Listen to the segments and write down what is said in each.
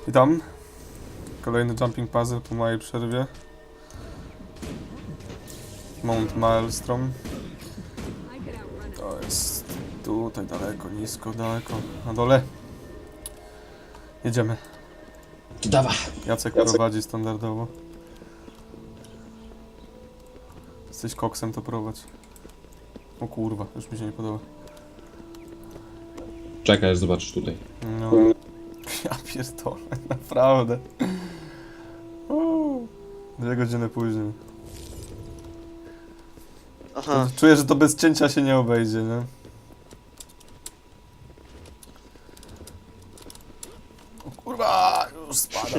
Witam. Kolejny jumping puzzle po mojej przerwie. Mount Maelstrom. To jest tutaj daleko, nisko, daleko. Na dole. Jedziemy. Dawa. Jacek prowadzi standardowo. Jesteś koksem, to prowadź. O kurwa, już mi się nie podoba. Czekaj, aż zobaczysz tutaj. No. Ja pierdolę, naprawdę. 2 godziny później. Aha. Czuję, że to bez cięcia się nie obejdzie, nie? O kurwa, już spadam.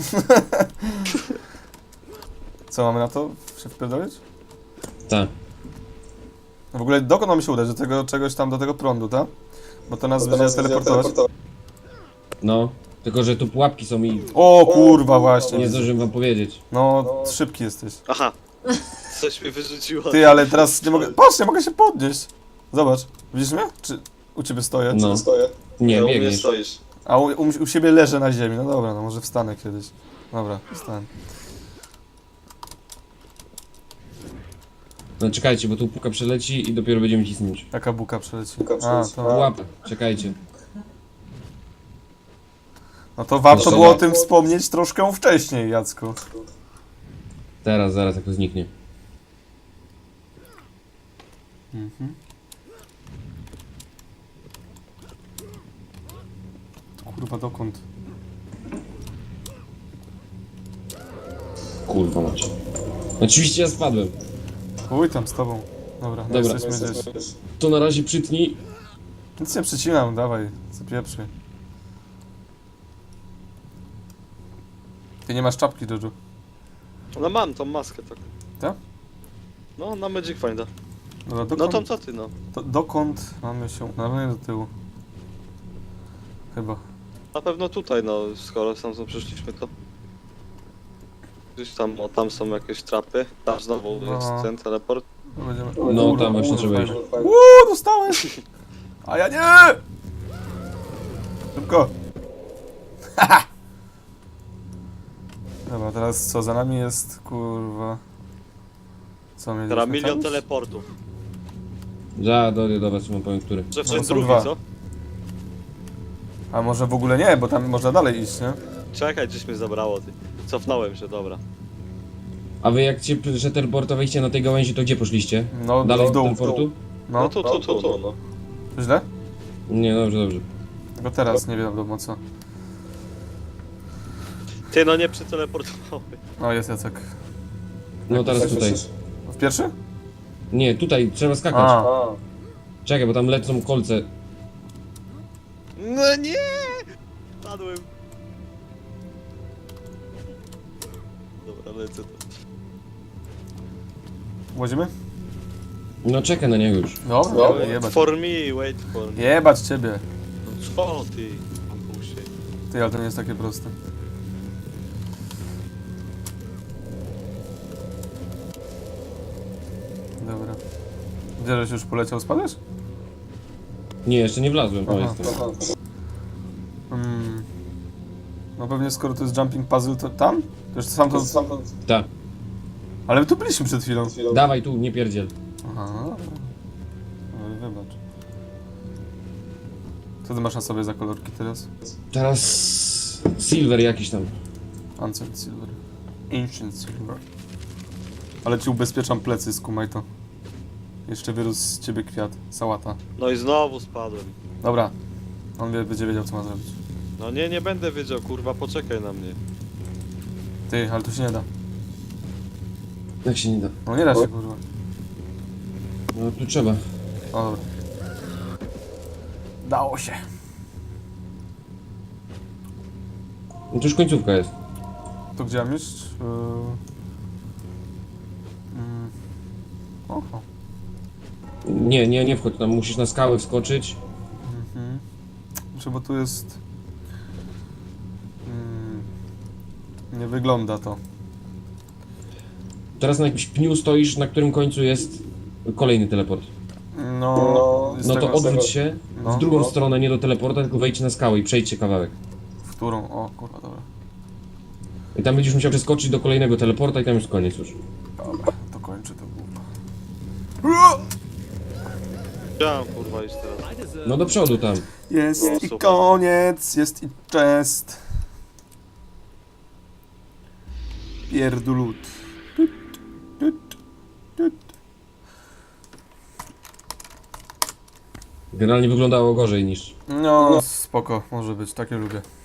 Co, mamy na to się wpierdolić? Tak. W ogóle dokąd mamy się udać? Do tego czegoś tam, do tego prądu, tak? Bo to nas będzie teleportować. No, tylko że tu pułapki są i O kurwa, właśnie. nie zdążyłem wam powiedzieć. No, szybki jesteś. Aha. Coś mi wyrzuciło. Ty, ale teraz nie mogę... Patrz, nie mogę się podnieść. Zobacz. Widzisz mnie? Czy u ciebie stoję? No. Nie, u mnie biegniesz. stoisz. A u siebie leżę na ziemi. No dobra, no może wstanę kiedyś. Dobra, wstanę. No czekajcie, bo tu puka przeleci i dopiero będziemy cisnąć. Jaka buka przeleci? A, to... Pułapę, czekajcie. No to warto No, było o dobra. tym wspomnieć troszkę wcześniej, Jacku. Teraz, zaraz jak to zniknie. Mhm. Kurwa, dokąd? Kurwa macie. Oczywiście ja spadłem. Uj, tam z tobą. Dobra, no Dobra. jesteśmy gdzieś. To na razie przytnij. Nic nie przycinam, dawaj, zapieprzy. Ty nie masz czapki, Jojo. No mam tą maskę tak. Tak? No, na Magic Finda. Dobra, No dokąd, tam co ty, no. dokąd mamy się... No nie do tyłu. Chyba. Na pewno tutaj, no, skoro tam przyszliśmy, to... Gdzieś tam, o, tam są jakieś trapy. Tam znowu No. jest ten teleport. To będziemy... No, Kurwa, tam właśnie kurwa, trzeba fajnie. iść. Dostałeś! A ja nie! Szybko! Haha! Dobra, teraz co? Za nami jest, kurwa... Co mieliśmy Teraz milion tam? teleportów. Dojdę do was, wam powiem który. Że No, wszedł są drugi, dwa. co? A może w ogóle nie, bo tam można dalej iść, nie? Czekaj, gdzieś mnie zabrało, ty. Cofnąłem się, dobra. A wy jak cię teleportowaliście na tej gałęzi, to gdzie poszliście? No, Dalej w do dół. teleportu? No, No tu, no. to źle? Nie, dobrze. Tylko teraz nie wiadomo co. Ty, no nie przeteleportowały. No, jest Jacek. No teraz tutaj. W pierwszy? Nie, tutaj trzeba skakać. A, Czekaj, bo tam lecą kolce. No nie! Padłem. Dobra, lecę to. łazimy? No czekaj na niego już. Dobra, Wait jebać. for me, wait for me. Jebać ciebie. No co ty? Bambusie. Ty, ale to nie jest takie proste. Dobra. Gdzie żeś już poleciał, spadać? Nie, jeszcze nie wlazłem. O, Aha. jestem. No pewnie skoro to jest jumping puzzle, to tam? To już sam to... Tak. Ale my tu byliśmy przed chwilą. Dawaj tu, nie pierdziel. Aha. Ale wybacz. Co ty masz na sobie za kolorki teraz? Teraz... Silver jakiś tam. Ancient Silver. Ancient Silver. Ale ci ubezpieczam plecy, skumaj to. Jeszcze wyrósł z ciebie kwiat. Sałata. No i znowu spadłem. Dobra. On będzie wiedział, co ma zrobić. No nie będę wiedział, kurwa, poczekaj na mnie. Ty, ale tu się nie da. Jak się nie da. No nie da się, kurwa. No tu trzeba. O, dobra. Dało się. No to już końcówka jest. To gdzie mam iść? Oho. Nie wchodź tam, musisz na skałę wskoczyć. Znaczy, bo tu jest... nie wygląda to. Teraz na jakimś pniu stoisz, na którym końcu jest kolejny teleport. No... z No to tego- odwróć się No. w drugą stronę, nie do teleporta, tylko wejdź na skałę i przejdźcie kawałek. teksturą. O kurwa, dobra. I tam będziesz musiał przeskoczyć do kolejnego teleporta i tam już koniec już. Dobra, to kończę to głupo. Chciałem kurwa iść teraz. No do przodu tam. Jest No, i super. koniec, jest i chest. Pierdulut. Tut, tut, tut. Generalnie wyglądało gorzej niż... No, spoko, może być, takie lubię.